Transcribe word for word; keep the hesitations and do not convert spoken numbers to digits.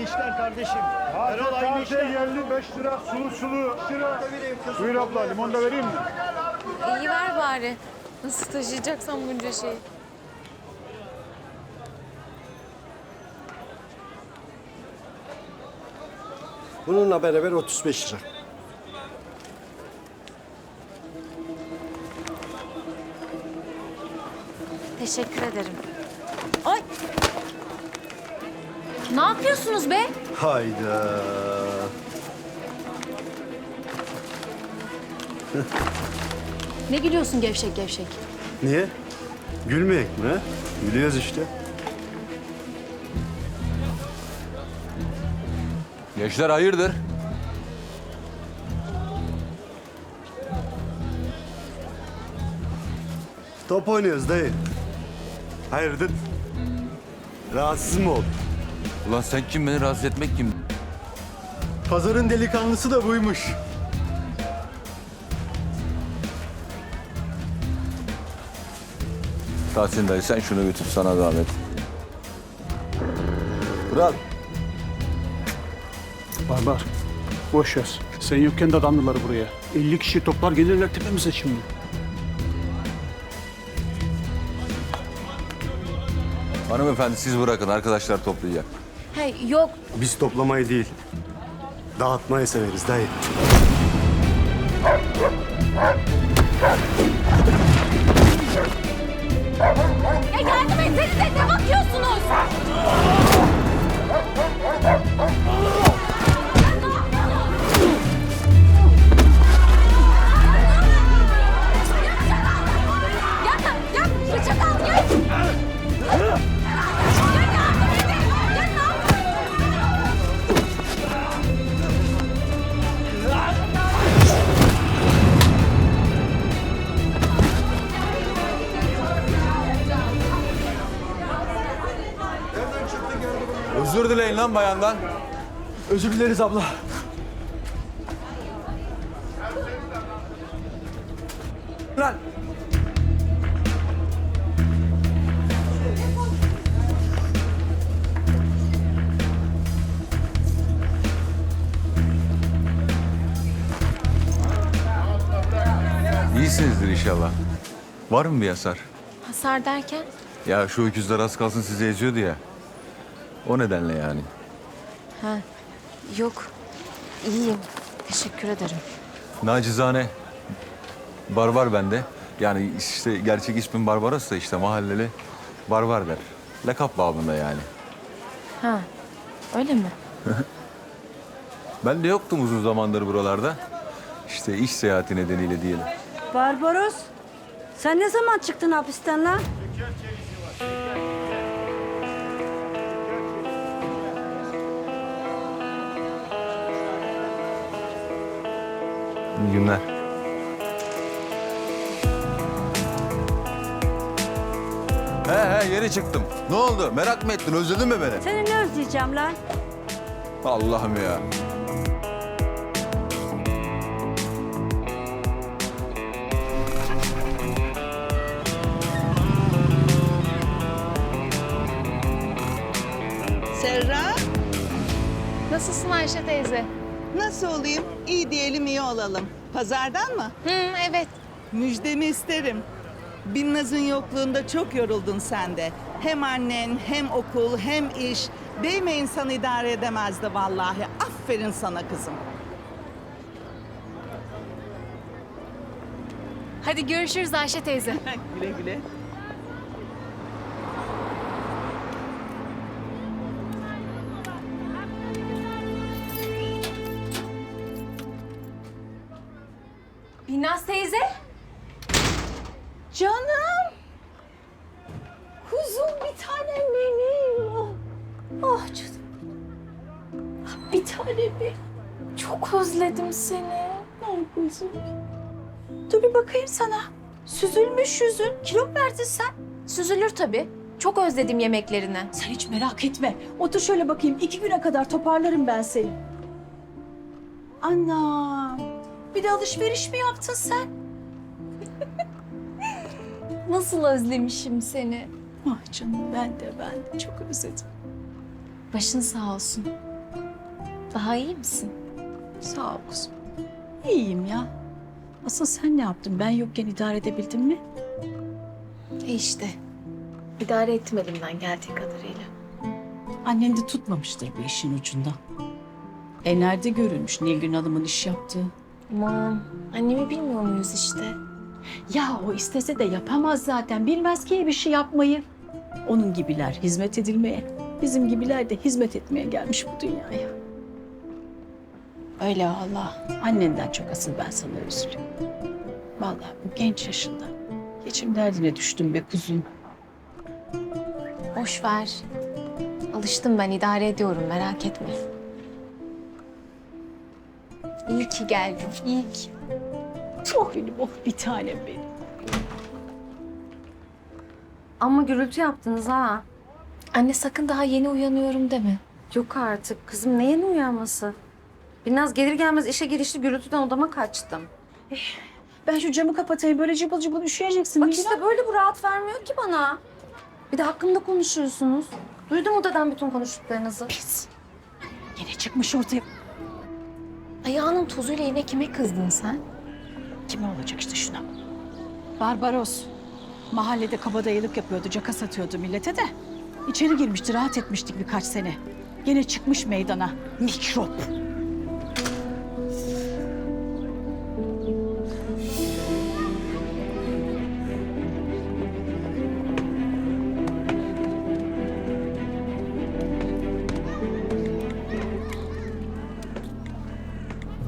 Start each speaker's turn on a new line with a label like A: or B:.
A: işler kardeşim. Erol aynı işler.
B: Geldi beş lira sulu sulu. beş lira. Buyur abla, limon da vereyim mi?
C: İyi ver bari. Nasıl taşıyacaksan bunca şeyi.
D: Bununla beraber otuz beş lira.
C: Teşekkür ederim. Ay! Ne yapıyorsunuz be?
D: Hayda.
C: Ne gülüyorsun gevşek gevşek?
D: Niye? Gülmeyek mi? Gülüyoruz işte.
E: Gençler hayırdır?
D: Top oynuyoruz dayı. Hayırdır? Rahatsız mı oldun?
E: Ulan sen kim, beni rahatsız etmek kim?
D: Pazarın delikanlısı da buymuş.
E: Tahsin dayı sen şunu götür, sana zahmet. Kral.
B: Barbar. Boş ver. Sen yokken de adamdılar buraya. elli kişi toplar gelirler tepemize şimdi.
E: Hanımefendi siz bırakın, arkadaşlar toplayacak.
C: Hey yok.
D: Biz toplamayı değil, dağıtmayı severiz dayı.
C: Ya yardım etsenize, ne bakıyorsunuz? Ya, ya, bıçak al, ya. Ya yardım edin. Ya ne yapıyorsun?
E: Özür dileyin lan bayandan.
D: Özür dileriz abla.
E: Lan. İyisinizdir inşallah. Var mı bir hasar?
C: Hasar derken?
E: Ya şu öküzler az kalsın sizi eziyordu ya. O nedenle yani.
C: Ha, yok. İyiyim. Teşekkür ederim.
E: Nacizane barbar bende. Yani işte gerçek ismim Barbaros da işte mahalleli barbar der. Lakap babında yani.
C: Ha, öyle mi?
E: Ben de yoktum uzun zamandır buralarda. İşte iş seyahati nedeniyle diyelim.
F: Barbaros, sen ne zaman çıktın hapisten lan?
E: İyi günler. He he yeni çıktım. Ne oldu? Merak mı ettin? Özledin mi beni?
F: Seni ne özleyeceğim lan?
E: Allah'ım ya.
G: Serra,
C: Nasılsın Ayşe teyze?
G: nasıl olayım? İyi diyelim, iyi olalım. Pazardan mı?
C: Hı, evet.
G: Müjdemi isterim. Binnaz'ın yokluğunda çok yoruldun sen de. Hem annen, hem okul, hem iş. Değme insan idare edemezdi vallahi. Aferin sana kızım.
C: Hadi görüşürüz Ayşe teyze.
G: Güle güle.
C: Binnaz teyze.
F: Canım! Kuzum bir tanem benim. Ah, ah canım. Ah, bir tanem benim.
C: Çok özledim seni.
F: Ah kuzum. Dur bir bakayım sana. Süzülmüş yüzün. Kilo mu verdin sen?
C: Süzülür tabii. Çok özledim yemeklerini.
F: Sen hiç merak etme. Otur şöyle bakayım. İki güne kadar toparlarım ben seni. Anam. Bir de alışveriş mi yaptın sen?
C: Nasıl özlemişim seni.
F: Ah canım ben de ben de çok özledim.
C: Başın sağ olsun. Daha iyi misin?
F: Sağ ol kızım. İyiyim ya. Asıl sen ne yaptın? Ben yokken idare edebildin mi?
C: E işte. İdare ettim elimden geldiği kadarıyla.
F: Annen de tutmamıştır bu işin ucunda. E nerede görülmüş Nilgün Hanım'ın iş yaptığı?
C: Aman annemi bilmiyor muyuz işte?
F: Ya o istese de yapamaz zaten. Bilmez ki bir şey yapmayı. Onun gibiler hizmet edilmeye, bizim gibiler de hizmet etmeye gelmiş bu dünyaya.
C: Öyle vallahi.
F: Annenden çok asıl ben sana üzülüyorum. Vallahi bu genç yaşında. Geçim derdine düştüm be kuzum.
C: Boş ver. Alıştım ben, idare ediyorum, merak etme. İyi ki geldin, iyi ki.
F: Oh benim, oh bir tanem benim.
H: Ama gürültü yaptınız ha.
C: Anne sakın daha yeni uyanıyorum deme.
H: Yok artık. Kızım ne yeni uyanması? Binnaz gelir gelmez işe girişti, gürültüden odama kaçtım.
F: Ben şu camı kapatayım, böyle cıbıl cıbıl üşüyeceksin.
H: Bak
F: Nilgün
H: işte böyle bu rahat vermiyor ki bana. Bir de hakkımda konuşuyorsunuz. Duydum odadan bütün konuştuklarınızı.
F: Pis. Yine çıkmış ortaya.
C: Ayağının tozuyla yine kime kızdın sen?
F: Kime olacak işte şuna? Barbaros. Mahallede kabadayılık yapıyordu, caka satıyordu millete de. İçeri girmişti, rahat etmiştik birkaç sene. Gene çıkmış meydana. Mikrop.